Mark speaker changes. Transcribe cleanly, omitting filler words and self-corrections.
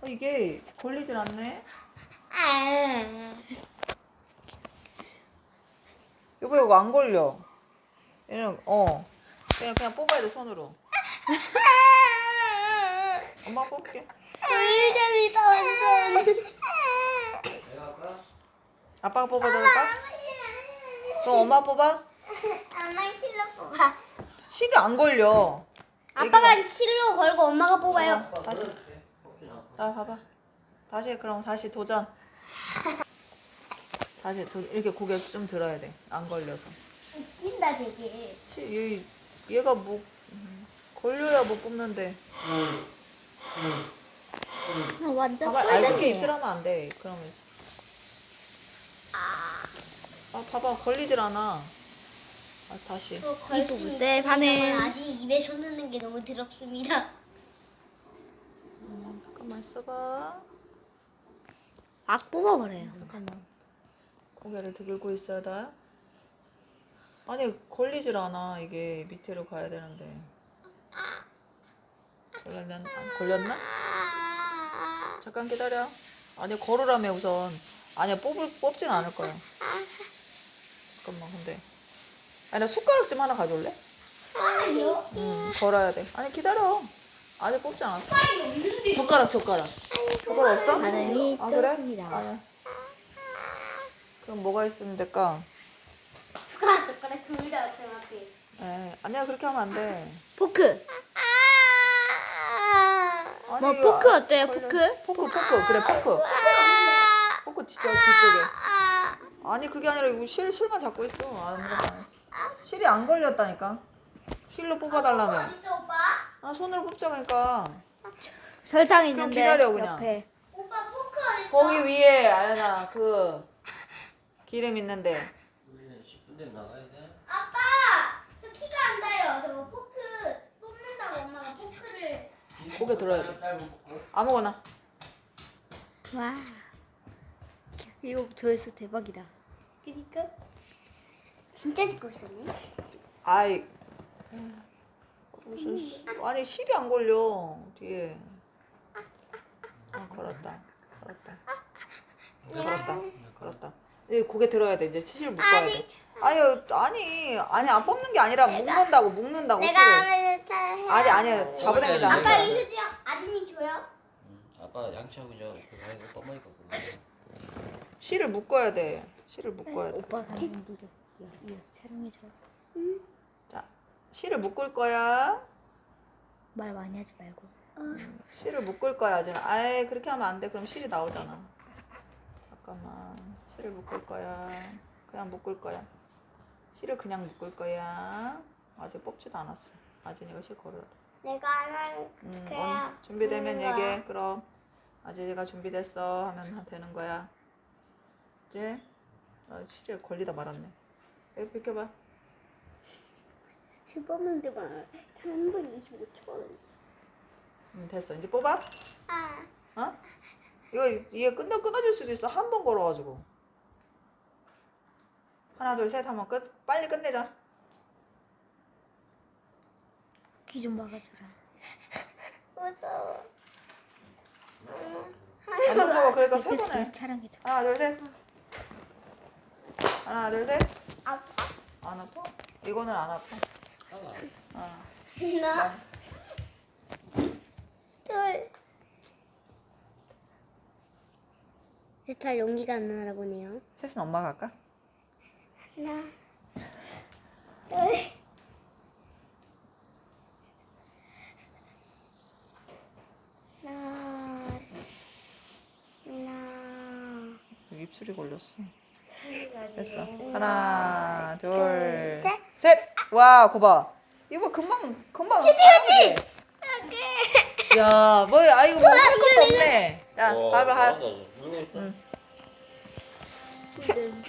Speaker 1: 이게 걸리질 않네. 여보 이거 안 걸려. 얘는 그냥 뽑아야 돼 손으로. 엄마 뽑게.
Speaker 2: 의자이다 완전.
Speaker 3: 내가 할까?
Speaker 1: 아빠가 뽑아줄까? 그럼 엄마 뽑아?
Speaker 2: 엄마 실로 뽑아.
Speaker 1: 실이 안 걸려.
Speaker 2: 아빠가 실로 걸고 엄마가 뽑아요.
Speaker 1: 다시. 자 봐봐. 그럼 다시 도전. 이렇게 고개 좀 들어야 돼. 안 걸려서.
Speaker 2: 웃긴다 되게.
Speaker 1: 얘가 뭐 걸려야 못 뽑는데.
Speaker 2: 완전
Speaker 1: 봐봐. 그렇게 입술하면 안 돼. 그러면. 봐봐 걸리질 않아. 다시.
Speaker 2: 걸수
Speaker 4: 네, 반응.
Speaker 2: 아직 입에 손 넣는 게 너무 더럽습니다.
Speaker 1: 잠깐만 있어봐.
Speaker 4: 막 뽑아버려요.
Speaker 1: 잠깐만. 고개를 들고 있어야 돼. 아니 걸리질 않아. 이게 밑으로 가야 되는데. 걸렸나? 잠깐 기다려. 아니 걸으라며 우선. 아니야 뽑진 않을 거야. 잠깐만 근데. 아니 나 숟가락 좀 하나 가져올래?
Speaker 2: 아니요.
Speaker 1: 걸어야 돼. 아니 기다려. 아직 뽑지 않았어. 젓가락. 젓가락 없어?
Speaker 4: 반응이
Speaker 1: 아 그래?
Speaker 4: 좋습니다.
Speaker 1: 아니야. 그럼 뭐가 있으면 될까?
Speaker 2: 숟가락 둘다 어차피.
Speaker 1: 아니야 그렇게 하면 안 돼.
Speaker 4: 포크.
Speaker 1: 아니,
Speaker 4: 뭐
Speaker 1: 이거
Speaker 4: 포크 어때요?
Speaker 1: 걸려.
Speaker 4: 포크?
Speaker 1: 포크 그래 포크. 포크 뒤쪽에. 아니 그게 아니라 이거 실만 잡고 있어. 실이 안 걸렸다니까. 실로 뽑아달라며.
Speaker 2: 있어 오빠?
Speaker 1: 손으로 뽑자니까.
Speaker 4: 설탕
Speaker 1: 그럼
Speaker 4: 있는데
Speaker 1: 기다려, 그냥.
Speaker 4: 옆에.
Speaker 2: 오빠 포크 어디 있어?
Speaker 1: 거기 위에 아연아 그 기름 있는데.
Speaker 3: 우리는 10분 되면 나가야 돼.
Speaker 2: 아빠 저 키가 안 닿아요. 저 포크 뽑는다고 엄마가 포크를.
Speaker 1: 고개 들어야 돼.
Speaker 3: 딸 먹고.
Speaker 1: 아무거나.
Speaker 4: 와. 이거 조회수 대박이다.
Speaker 2: 그니까 진짜 찍고 있었네.
Speaker 1: 아이. 아니 실이 안 걸려 뒤에. 걸었다. 이제 고개 들어야 돼. 이제 실 묶어야 돼. 아니 안 뽑는 게 아니라 묶는다고
Speaker 2: 내가
Speaker 1: 실을.
Speaker 2: 하면
Speaker 1: 아니 잡아당기지 않는
Speaker 2: 아빠
Speaker 1: 거야.
Speaker 2: 이 휴지 아진이 줘요?
Speaker 3: 아빠 양치하고 그거 하고 떠먹으니까 그거.
Speaker 1: 실을 묶어야 돼.
Speaker 4: 오빠 반응 누려. 이어서 촬영해줘.
Speaker 1: 자, 실을 묶을 거야.
Speaker 4: 말 많이 하지 말고.
Speaker 1: 실을 묶을 거야, 아진아. 아이, 그렇게 하면 안 돼. 그럼 실이 나오잖아. 잠깐만. 실을 묶을 거야. 그냥 묶을 거야. 실을 그냥 묶을 거야. 아직 뽑지도 않았어. 아진이가 실 걸어야 돼.
Speaker 2: 내가 하면
Speaker 1: 준비되면 얘기해. 그럼 아진이가 준비됐어 하면 되는 거야. 이제 실에 걸리다 말았네. 여기 비켜봐.
Speaker 2: 실 뽑는 데만 3분 25초.
Speaker 1: 됐어. 이제 뽑아. 이게 끊어질 수도 있어. 한 번 걸어가지고. 하나, 둘, 셋 하면 빨리 끝내자.
Speaker 4: 귀 좀 막아주라.
Speaker 2: 무서워.
Speaker 1: 안 무서워. 그러니까 세 번
Speaker 4: 다시
Speaker 1: 해.
Speaker 4: 촬영해줘.
Speaker 1: 하나, 둘, 셋. 하나, 둘, 셋.
Speaker 2: 아파?
Speaker 1: 안 아파? 이거는 안 아파.
Speaker 2: 하나, 둘. 잘 용기가 안 나나 보네요.
Speaker 1: 셋은 엄마가 할까?
Speaker 2: 하나, 둘. 하나.
Speaker 1: 입술이 걸렸어.
Speaker 2: 됐어.
Speaker 1: 됐어. 하나, 둘,
Speaker 2: 셋.
Speaker 1: 셋. 와, 거봐. 이거 금방. 그치. 야, 뭐야? 이거 뭐 할 것도 없네. 야, 봐봐.
Speaker 3: 응.